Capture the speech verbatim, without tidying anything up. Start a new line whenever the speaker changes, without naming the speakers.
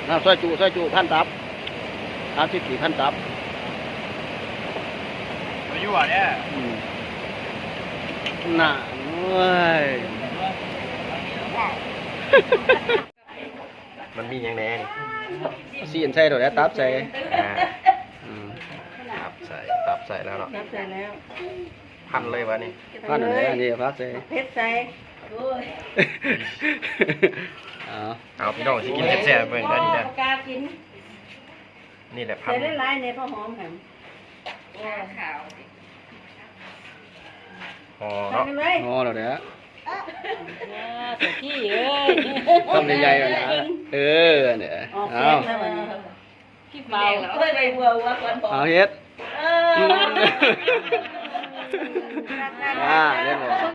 อ่าซอยจุซอยจุพันตับสามสิบสี่พันตับ
มาอยู่อ่ะเนี่ย
อืมน่าเว้ย
มันมีอย่างแน่นี่
ซีนใส่ตัวแล้วตับใส่
อ่า
อืม
ตับใส่ตับใส่แล้วเนาะ
รับใส่แล้ว
Ừ.
พันเลยวะนี่
พันอะไรอันนี้พักใส่
เพชรใส่โอ้ย
เอา
เอาพี่น้องสิกินแซ่บๆเบิ่งได้ดีนะ
กากิน
นี่แหละพั
ใส่
น
ได้หลายในพ่อหอมค่ะ
ขาว
ห่อ
ใส่
เนาะ
ไปเลย
งอแล้วเด้อ
แต่ขี้เอ้ย
ทำใหญ่ๆเลยนะเออเนี่ย
ออก
เอา
เส้นแล้ววันนี้
ขี้เมาเฮ้ยไปบัววัวคนบอก
เอาเฮ็ด
เออ
อ่าเรียบร้อย